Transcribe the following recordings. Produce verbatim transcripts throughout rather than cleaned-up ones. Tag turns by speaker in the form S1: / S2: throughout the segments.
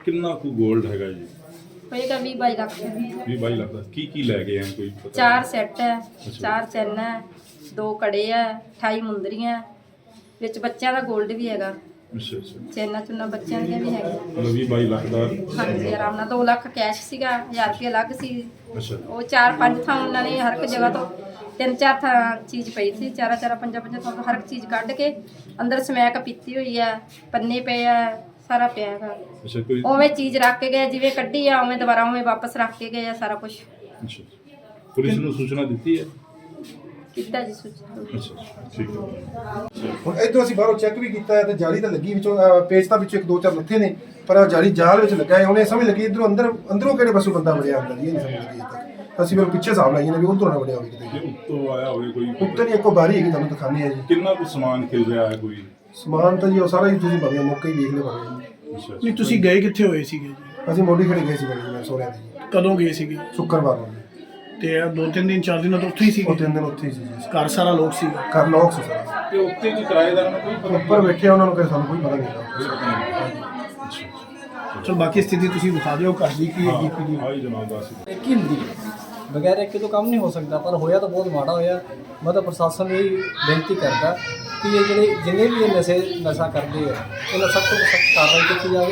S1: ਕਿੰਨਾ ਕੁ ਗੋਲਡ ਹੈਗਾ ਜੀ?
S2: ਹੋਏਗਾ ਵੀਹ ਬਾਈ ਲੱਖ।
S1: ਵੀਹ ਬਾਈ ਲੱਖ ਦਾ ਕੀ ਕੀ ਲੈ ਗਏ ਆ ਕੋਈ ਪਤਾ?
S2: ਚਾਰ ਸੈੱਟ ਹੈ, ਚਾਰ ਚੈਨ ਹੈ, ਦੋ ਕੜੇ ਹੈ, ਅਠਾਈ ਮੁੰਦਰੀਆਂ, ਵਿੱਚ ਬੱਚਿਆਂ ਦਾ 골ਡ ਵੀ ਹੈਗਾ।
S1: ਅੱਛਾ ਅੱਛਾ,
S2: ਚੈਨਾਂ ਚੁੰਨਾਂ ਬੱਚਿਆਂ ਦੀਆਂ ਵੀ ਹੈਗੀਆਂ।
S1: ਮਤਲਬ ਵੀਹ ਬਾਈ ਲੱਖ ਦਾ।
S2: ਹਾਂਜੀ ਆਰਾਮ ਨਾਲ। ਦੋ ਲੱਖ ਕੈਸ਼ ਸੀਗਾ, ਹਜ਼ਾਰ ਰੁਪਏ ਅਲੱਗ ਸੀ।
S1: ਅੱਛਾ
S2: ਉਹ ਚਾਰ ਪੰਜ ਥਾਂ ਉਹਨਾਂ ਨੇ ਹਰ ਇੱਕ ਜਗ੍ਹਾ ਤੋਂ ਤਿੰਨ ਚਾਰ ਥਾਂ ਚੀਜ਼ ਪਈ ਸੀ। ਚਾਰਾਂ ਚਾਰਾਂ ਪੰਜਾਂ ਪੰਜਾਂ ਥਾਂ ਤੋਂ ਹਰ ਇੱਕ ਚੀਜ਼ ਕੱਢ ਕੇ ਅੰਦਰ ਸਮੈਕ ਪੀਤੀ ਹੋਈ ਆ, ਪੰਨੇ ਪਏ ਆ, ਸਾਰਾ ਪਿਆ ਹੈਗਾ।
S1: ਅੱਛਾ, ਕੋਈ
S2: ਉਵੇਂ ਚੀਜ਼ ਰੱਖ ਕੇ ਗਏ, ਜਿਵੇਂ ਕੱਢੀ ਆ ਉਵੇਂ ਦੁਬਾਰਾ ਉਵੇਂ ਵਾਪਸ ਰੱਖ ਕੇ ਗਏ ਆ ਸਾਰਾ ਕੁਝ।
S1: ਅੱਛਾ, ਪੁਲਿਸ ਨੂੰ ਸੂਚਨਾ ਦਿੱਤੀ ਹੈ?
S2: ਕੀਤਾ ਜੀ ਸੂਚਨਾ।
S1: ਅੱਛਾ ਠੀਕ ਹੈ।
S3: ਹੁਣ ਇੱਧਰੋਂ ਅਸੀਂ ਬਾਹਰੋਂ ਚੈੱਕ ਵੀ ਕੀਤਾ ਹੈ ਤੇ ਜਾਲੀ ਤਾਂ ਲੱਗੀ ਵਿੱਚੋਂ ਅਹ, ਪੇਚ ਤਾਂ ਵਿੱਚੋਂ ਇੱਕ ਦੋ ਚਾਰ ਲੱਥੇ ਨੇ, ਪਰ ਆਹ ਜਾਲੀ ਜਾਲ ਵਿੱਚ ਲੱਗਾ ਹੈ। ਉਹਨੇ ਸਮਝ ਲੱਗੀ ਇੱਧਰੋਂ ਅੰਦਰ ਅੰਦਰੋਂ ਕਿਹੜੇ ਪਾਸੋਂ ਬੰਦਾ ਵੜਿਆ ਅੰਦਰ, ਇਹ ਨਹੀਂ ਸਮਝ ਲੱਗੀ ਅਜੇ ਤੱਕ। ਅਸੀਂ ਫਿਰ ਪਿੱਛੇ ਹਿਸਾਬ ਲਾਈਏ ਨੇ ਵੀ ਉਧਰੋਂ ਨਾ ਵੜਿਆ ਹੋਵੇ ਕਿਤੇ।
S1: ਜੇ ਉੱਤੋਂ ਆਇਆ ਹੋਵੇ ਕੋਈ?
S3: ਉੱਤੇ ਨਹੀਂ, ਇੱਕੋ ਬਾਰੀ ਹੈਗੀ, ਤੁਹਾਨੂੰ ਦਿਖਾਉਂਦੇ ਆ ਜੀ।
S1: ਕਿੰਨਾ ਕੁ ਸਮਾਨ ਖਿਲ ਰਿਹਾ ਹੈ ਕੋਈ?
S3: ਸਮਾਨ ਤਾਂ ਜੀ ਉਹ ਸਾਰਾ ਹੀ ਤੁਸੀਂ ਭਾਵੇਂ ਮੌਕੇ ਹੀ ਵੇਖ ਲਿਓ ਭਾਵੇਂ।
S1: ਅੱਛਾ
S4: ਨਹੀਂ ਤੁਸੀਂ ਗਏ ਕਿੱਥੇ ਹੋਏ ਸੀਗੇ ਜੀ?
S3: ਅਸੀਂ ਮੋਢੀ ਖੜੇ ਗਏ ਸੀ ਬੜੀ ਮੈਂ ਸੋਹਰਿਆਂ ਦੇ ਜੀ,
S4: ਕਦੋਂ ਗਏ ਸੀਗੇ?
S3: ਸ਼ੁੱਕਰਵਾਰ ਨੂੰ।
S4: ਤੇ ਇਹ ਦੋ ਤਿੰਨ ਦਿਨ ਚਾਰ ਦਿਨ ਤੋਂ ਉੱਥੇ ਹੀ
S3: ਉਹ
S4: ਸੀਗੇ?
S3: ਤਿੰਨ ਦਿਨ ਉੱਥੇ ਹੀ ਸੀ ਜੀ।
S4: ਘਰ ਸਾਰਾ ਲੋਕ ਸੀਗਾ?
S3: ਘਰ ਲੋਕ ਸੀ ਸਾਰਾ।
S1: ਤੇ ਉੱਤੇ ਕੀ ਕਿਰਾਏਦਾਰਾਂ ਨੂੰ ਕੋਈ ਪਤਾ?
S3: ਉੱਪਰ ਬੈਠੇ ਉਹਨਾਂ ਨੂੰ ਕਿ ਸਾਨੂੰ ਕੋਈ ਪਤਾ ਨਹੀਂ ਲੱਗਾ।
S4: ਚਲੋ ਬਾਕੀ ਸਥਿਤੀ ਤੁਸੀਂ ਦਿਖਾ ਦਿਓ ਘਰ ਦੀ ਕੀ ਹੈਗੀ ਕੀ ਨਹੀਂ।
S1: ਹਾਂ ਜੀ ਜਨਾਬ ਦੱਸ।
S5: ਇੱਕ ਹੀ ਹੁੰਦੀ ਹੈ, ਬਗੈਰ ਇੱਕ ਤੋਂ ਕੰਮ ਨਹੀਂ ਹੋ ਸਕਦਾ। ਪਰ ਹੋਇਆ ਤਾਂ ਬਹੁਤ ਮਾੜਾ ਹੋਇਆ। ਮੈਂ ਤਾਂ ਪ੍ਰਸ਼ਾਸਨ ਨੂੰ ਵੀ ਬੇਨਤੀ ਕਰਦਾ ਕਿ ਇਹ ਜਿਹੜੇ ਜਿੰਨੇ ਵੀ ਇਹ ਨਸ਼ੇ ਨਸ਼ਾ ਕਰਦੇ ਆ, ਇਹਨਾਂ ਸਖਤ ਤੋਂ ਸਖਤ ਕਾਰਵਾਈ ਕੀਤੀ ਜਾਵੇ।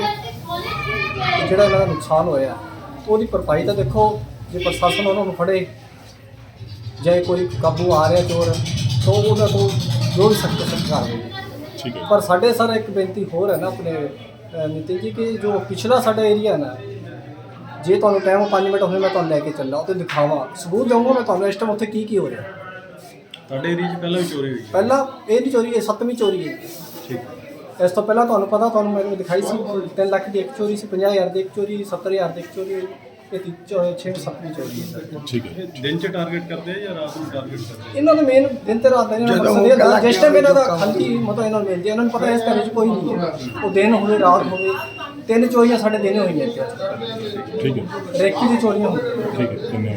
S5: ਤੇ ਜਿਹੜਾ ਇਹਨਾਂ ਦਾ ਨੁਕਸਾਨ ਹੋਇਆ ਉਹਦੀ ਭਰਪਾਈ ਤਾਂ ਦੇਖੋ, ਜੇ ਪ੍ਰਸ਼ਾਸਨ ਉਹਨਾਂ ਨੂੰ ਫੜੇ ਜਾਂ ਕੋਈ ਕਾਬੂ ਆ ਰਿਹਾ ਚੋਰ, ਤਾਂ ਉਹਨਾਂ ਤੋਂ ਜੋ ਵੀ ਸਖਤ ਤੋਂ ਸਖਤ ਕਾਰਵਾਈ।
S1: ਠੀਕ ਹੈ।
S5: ਪਰ ਸਾਡੇ ਸਰ ਇੱਕ ਬੇਨਤੀ ਹੋਰ ਹੈ ਨਾ ਆਪਣੇ ਅ, ਨਿਤਿਨ ਜੀ, ਕਿ ਜੋ ਪਿਛਲਾ ਸਾਡਾ ਏਰੀਆ ਹੈ ਨਾ, ਜੇ ਤੁਹਾਨੂੰ ਟਾਈਮ ਪੰਜ ਮਿੰਟ ਹੋਵੇ ਮੈਂ ਤੁਹਾਨੂੰ ਲੈ ਕੇ ਚੱਲਾਂ ਉੱਥੇ ਦਿਖਾਵਾਂ, ਸਬੂਤ ਦਊਂਗਾ ਮੈਂ ਤੁਹਾਨੂੰ ਇਸ ਟਾਈਮ ਉੱਥੇ ਕੀ ਕੀ ਹੋ ਰਿਹਾ।
S1: ਤੁਹਾਡੇ ਏਰੀਆ 'ਚ ਪਹਿਲਾਂ ਵੀ ਚੋਰੀ ਹੋਈ?
S5: ਪਹਿਲਾਂ ਇਹ ਨਹੀਂ ਚੋਰੀ, ਇਹ ਸੱਤਵੀਂ ਚੋਰੀ ਹੈ।
S1: ਠੀਕ।
S5: ਇਸ ਤੋਂ ਪਹਿਲਾਂ ਤੁਹਾਨੂੰ ਪਤਾ, ਤੁਹਾਨੂੰ ਮੈਨੂੰ ਦਿਖਾਈ ਸੀ ਤਿੰਨ ਲੱਖ ਦੀ ਇੱਕ ਚੋਰੀ ਸੀ, ਪੰਜਾਹ ਹਜ਼ਾਰ ਦੀ ਇੱਕ ਚੋਰੀ, ਸੱਤਰ ਹਜ਼ਾਰ ਦੀ ਇੱਕ ਚੋਰੀ ਹੋਈ। ਇਹ ਛੇ ਸੱਤਵੀਂ ਚੋਰੀ ਹੈ।
S1: ਠੀਕ ਹੈ। ਦਿਨ 'ਚ ਟਾਰਗੇਟ ਕਰਦੇ ਆ ਜਾਂ ਰਾਤ ਨੂੰ ਟਾਰਗੇਟ ਕਰਦੇ ਆ?
S5: ਇਹਨਾਂ ਦੇ ਮੇਨ ਦਿਨ ਤੇ ਰਾਤ ਦਾ ਇਹਨਾਂ ਦਾ ਮਕਸਦ ਇਹ ਹੁੰਦਾ, ਜਿਸ ਟਾਈਮ ਇਹਨਾਂ ਦਾ ਖਾਲੀ ਮਤਲਬ ਇਹਨਾਂ ਨੂੰ ਮਿਲਦੀ ਹੈ, ਇਹਨਾਂ ਨੂੰ ਪਤਾ ਇਸ ਘਰ 'ਚ ਕੋਈ ਨਹੀਂ ਹੈ। ਉਹ ਦਿਨ ਹੋਵੇ ਰਾਤ ਹੋਵੇ, ਤਿੰਨ ਚੋਰੀਆਂ ਸਾਡੇ ਦਿਨ ਹੋਈਆਂ ਇੱਥੇ।
S1: ਠੀਕ ਹੈ।
S5: ਰੇਕੀ ਦੀ ਚੋਰੀਆਂ ਹੋਈਆਂ।
S1: ਠੀਕ ਹੈ, ਧੰਨਵਾਦ।